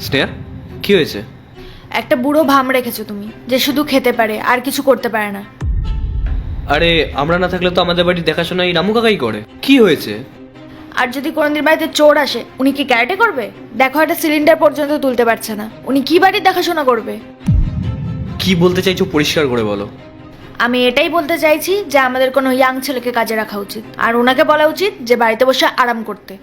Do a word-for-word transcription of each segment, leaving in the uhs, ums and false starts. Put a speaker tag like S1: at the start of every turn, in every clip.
S1: স্নেহা, কি হয়েছে?
S2: একটা বুড়ো ভাম রেখেছো তুমি, যে শুধু খেতে পারে আর কিছু করতে পারে না।
S1: আরে আমরা না থাকলে তো আমাদের বাড়ির দেখাশোনা এই রামু কাকাই করে। কি হয়েছে?
S2: আর যদি কোনোদিন বাড়িতে চোর আসে, উনি কি ক্যারেটে করবে? দেখো, একটা সিলিন্ডার পর্যন্ত তুলতে পারছে না, উনি কি বাড়ির দেখাশোনা করবে?
S1: কি বলতে চাইছো পরিষ্কার করে বলো।
S2: আমি এটাই বলতে চাইছি যে আমাদের কোনো ইয়াং ছেলেকে কাজে রাখা উচিত, আর ওনাকে বলা উচিত যে বাড়িতে বসে আরাম করতে।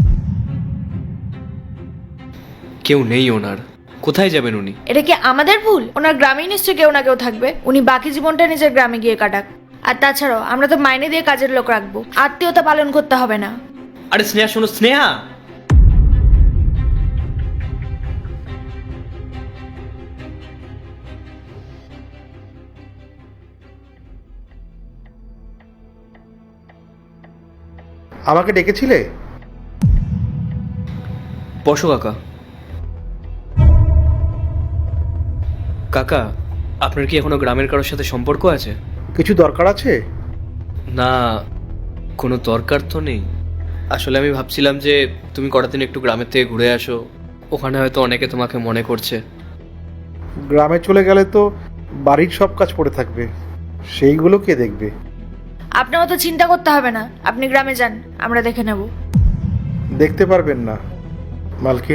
S1: কেউ নেই ওনার, কোথায় যাবেন উনি?
S2: এটা কি আমাদের ভুল? ওনার গ্রামেই নিশ্চয়ই কেউ না কেউ থাকবে, উনি বাকি জীবনটা নিজের গ্রামে গিয়ে কাটাক। আর তাছাড়াও আমরা তো মাইনে দিয়ে কাজের লোক রাখবো, আত্মীয়তা পালন করতে হবে না।
S1: আরে স্নেহা শোনো, স্নেহা
S3: আমাকে ডেকেছিলে?
S1: বসো কাকা। কাকা, আপনার কি এখনো গ্রামের কারোর সাথে সম্পর্ক আছে?
S3: কিছু দরকার আছে?
S1: না, কোনো দরকার তো নেই। আসলে আমি ভাবছিলাম যে তুমি কটা দিন একটু গ্রামের থেকে ঘুরে আসো, ওখানে হয়তো অনেকে তোমাকে মনে করছে।
S3: গ্রামে চলে গেলে তো বাড়ির সব কাজ পড়ে থাকবে, সেইগুলো কে দেখবে?
S2: আপনার অত চিন্তা করতে হবে না, আপনি গ্রামে যান, আমরা দেখে নেব।
S3: দেখতে পারবেন না মালকিন,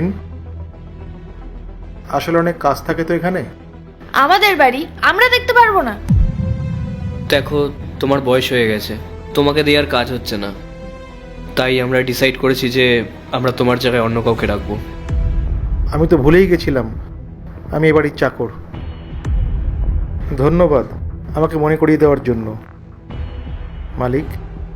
S3: আসলে অনেক কাজ থাকে তো এখানে।
S2: আমাদের বাড়ি আমরা দেখতে পারবো না?
S1: দেখো, তোমার বয়স হয়ে গেছে, তোমাকে দিয়ে আর কাজ হচ্ছে না, তাই আমরা ডিসাইড করেছি যে আমরা তোমার জায়গায় অন্য কাউকে রাখবো।
S3: আমি তো ভুলেই গেছিলাম আমি এ বাড়ির চাকর। ধন্যবাদ আমাকে মনে করিয়ে দেওয়ার জন্য মালিক।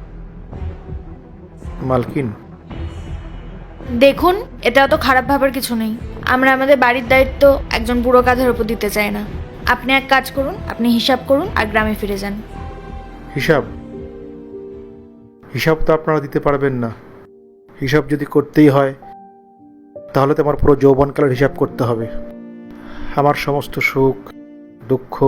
S3: মালকিন,
S2: দেখুন, এটা অত খারাপ ভাবার কিছু নেই। আমরা আমাদের বাড়ির দায়িত্ব একজন বুড়ো কাঁধের উপর দিতে চাই না। আপনি এক কাজ করুন, আপনি হিসাব করুন আর গ্রামে ফিরে যান।
S3: হিসাব? হিসাব তো আপনারা দিতে পারবেন না। হিসাব যদি করতেই হয় তাহলে তো আমার পুরো যৌবনকালের হিসাব করতে হবে। আমার সমস্ত সুখ দুঃখ